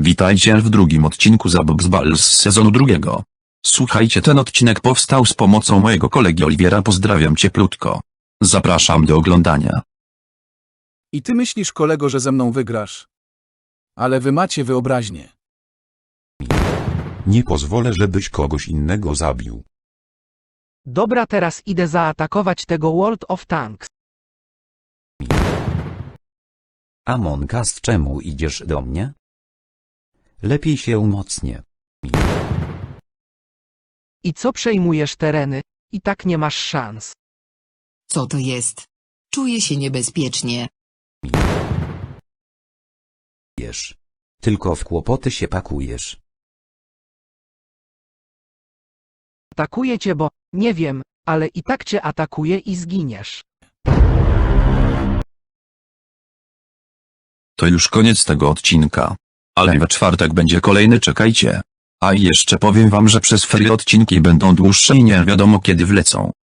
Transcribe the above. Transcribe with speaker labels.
Speaker 1: Witajcie w drugim odcinku Zabaw z Bal z sezonu drugiego. Słuchajcie, ten odcinek powstał z pomocą mojego kolegi Oliwiera. Pozdrawiam cieplutko. Zapraszam do oglądania.
Speaker 2: I ty myślisz, kolego, że ze mną wygrasz? Ale wy macie wyobraźnię.
Speaker 3: Nie pozwolę, żebyś kogoś innego zabił.
Speaker 4: Dobra, teraz idę zaatakować tego World of Tanks.
Speaker 5: Among Us, czemu idziesz do mnie? Lepiej się umocnię.
Speaker 4: I co, przejmujesz tereny? I tak nie masz szans.
Speaker 6: Co to jest? Czuję się niebezpiecznie.
Speaker 5: Wiesz. Tylko w kłopoty się pakujesz.
Speaker 4: Atakuję cię, bo, nie wiem, ale i tak cię atakuję i zginiesz.
Speaker 1: To już koniec tego odcinka. Ale we czwartek będzie kolejny, czekajcie. A i jeszcze powiem wam, że przez ferie odcinki będą dłuższe i nie wiadomo kiedy wlecą.